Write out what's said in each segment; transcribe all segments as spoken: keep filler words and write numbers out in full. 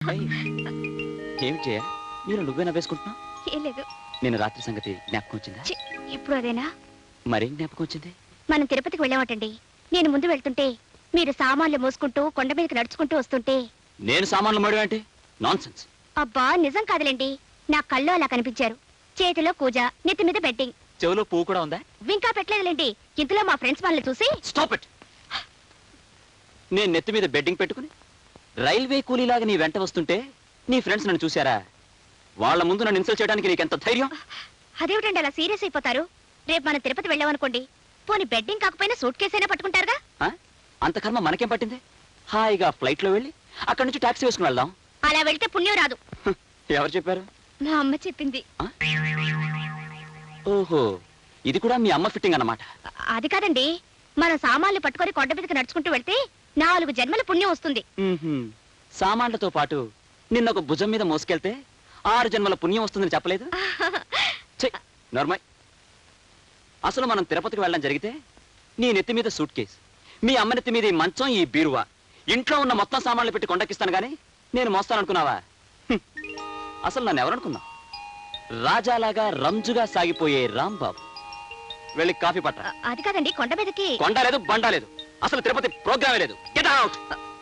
ఏమి చేయ మీరు నువ్వేనా వేసుకుంటున్నా? ఏం లేదు. నేను రాత్రి సంగతి జ్ఞాపకం వచ్చిందా? ఇప్పుడు అదేనా? మరేం జ్ఞాపకం వచ్చింది? మనం తిరుపతికి వెళ్ళామటండి. నేను ముందు వెళ్తుంటే మీరు సామాన్లు మోసుకుంటూ కొండ మీదకి నడుచుకుంటూ వస్తుంటే నేను సామాన్లు మోయడం అంటే నాన్సెన్స్. అబ్బా నిజం కాదులేండి, నా కళ్ళు అలా కనిపించారు. చేతిలో కూజ, నెత్తి మీద బెట్టింగ్. చెవులో పువ్వు కూడా ఉందా? ఇంకా పెట్టలేదులేండి. ఇంతలో మా ఫ్రెండ్స్ వాళ్ళని చూసి స్టాప్ ఇట్. నేను నెత్తి మీద బెడ్డింగ్ పెట్టుకుని రైల్వే కూలీలాగా నీ వెంట వస్తుంటే నీ ఫ్రెండ్స్ నన్ను చూశారా? వాళ్ళ ముందు నన్ను ఇన్సల్ట్ చేయడానికి నీకెంత ధైర్యం? అదేమిటండి అలా సీరియస్ అయిపోతారు? రేపు మనం తిరుపతి వెళ్ళామనుకోండి, పోనీ బెడ్డింగ్ కాకపోయినా సూట్ కేసు అయినా పట్టుకుంటారుగా. అంత కర్మ మనకేం పట్టింది? హాయిగా ఫ్లైట్ లో వెళ్ళి అక్కడి నుంచి టాక్సీ వేసుకుని వెళ్దాం. అలా వెళ్తే పుణ్యం రాదు. ఎవరు చెప్పారు? మా అమ్మ చెప్పింది. ఓహో, ఇది కూడా మీ అమ్మ ఫిట్టింగ్ అన్నమాట. అది కాదండి, మనం సామాన్లు పట్టుకొని కొండ మీదకి నడుచుకుంటూ వెళ్తే నాలుగు జన్మల పుణ్యం వస్తుంది. సామాన్లతో పాటు నిన్న ఒక భుజం మీద మోసుకెళ్తే ఆరు జన్మల పుణ్యం వస్తుందని చెప్పలేదు? నార్మల్. అసలు మనం తిరుపతికి వెళ్ళడం జరిగితే నీ నెత్తి మీద సూట్ కేస్, మీ అమ్మ నెత్తి మీద ఈ మంచం, ఈ బీరువా, ఇంట్లో ఉన్న మొత్తం సామాన్లు పెట్టి కొండకిస్తాను గానీ నేను మోస్తాననుకున్నావా? అసలు నన్ను ఎవరనుకున్నా? రాజాలాగా రంజుగా సాగిపోయే రాంబాబు. వెళ్ళి కాఫీ పట్ట. అది కాదండి, కొండ మీదకి కొండ లేదు, బండ లేదు, అసలు తిరుపతి ప్రోగ్రామే లేదు. Get out.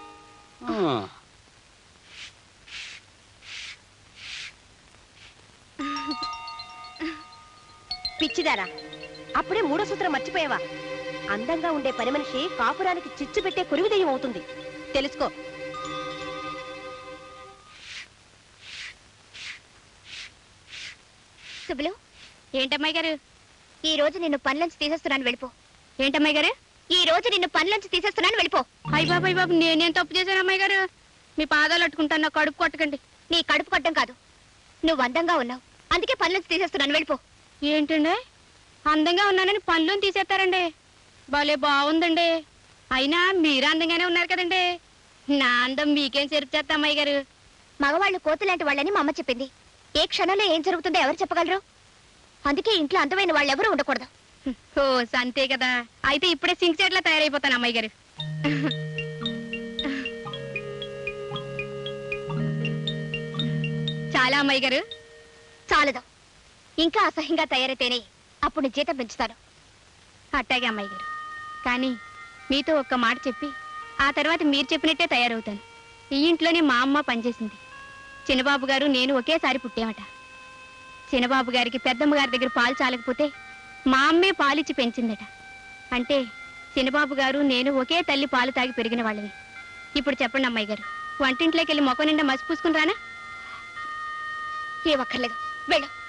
పిచ్చిదారా, అప్పుడే మూడో సూత్రం మర్చిపోయావా? అందంగా ఉండే పని మనిషి కాపురానికి చిచ్చు పెట్టే కురివిదయం అవుతుంది, తెలుసుకో. సుబ్బులు, ఏంటమ్మాయి గారు ఈ రోజు నిన్ను పనిలోంచి తీసేస్తున్నాను, వెళ్ళిపో. ఏంటమ్మాయి గారు ఈ రోజు నిన్ను పనిలోంచి తీసేస్తున్నాను, వెళ్ళిపో. అయ్య బాబు అయ్య బాబు, నేనేం తప్పు చేశాను అమ్మాయి గారు? మీ పాదాలు అట్టుకుంటాను, నా కడుపు కొట్టకండి. నీ కడుపు కొట్టడం కాదు, నువ్వు అందంగా ఉన్నావు అందుకే పనిలోంచి తీసేస్తున్నాను, వెళ్ళిపో. ఏంటండి అందంగా ఉన్నానని పనిలోని తీసేస్తారండి? భలే బాగుందండి. అయినా మీరు అందంగానే ఉన్నారు కదండి. నా అందం మీకేం చెరుపు చేస్తా అమ్మాయి గారు? మగవాళ్ళు కోతులాంటి వాళ్ళని మా అమ్మ చెప్పింది. ఏ క్షణంలో ఏం జరుగుతుందో ఎవరు చెప్పగలరు? అందుకే ఇంట్లో అందమైన వాళ్ళు ఎవరు ఉండకూడదు. ఓ అంతే కదా, అయితే ఇప్పుడే సింక్ చెట్లా తయారైపోతాను అమ్మాయి గారు. చాలా అమ్మాయి గారు. చాలదు, ఇంకా అసహ్యంగా తయారైతేనే అప్పుడు జీతం పెంచుతాను. అట్టాగే అమ్మాయి గారు, కానీ మీతో ఒక్క మాట చెప్పి ఆ తర్వాత మీరు చెప్పినట్టే తయారవుతాను. ఈ ఇంట్లోనే మా అమ్మ పనిచేసింది. చిన్నబాబు గారు నేను ఒకేసారి పుట్టామట. చిన్నబాబు గారికి పెద్దమ్మ గారి దగ్గర పాలు చాలకపోతే మా అమ్మే పాలిచ్చి పెంచిందట. అంటే చిన్నబాబు గారు నేను ఒకే తల్లి పాలు తాగి పెరిగిన వాళ్ళని. ఇప్పుడు చెప్పండి అమ్మాయి గారు, వంటింట్లోకి వెళ్ళి మొక్క నిండా మసి పూసుకుని రానా? ఏ ఒక్కర్లేదు, వెళ్ళు.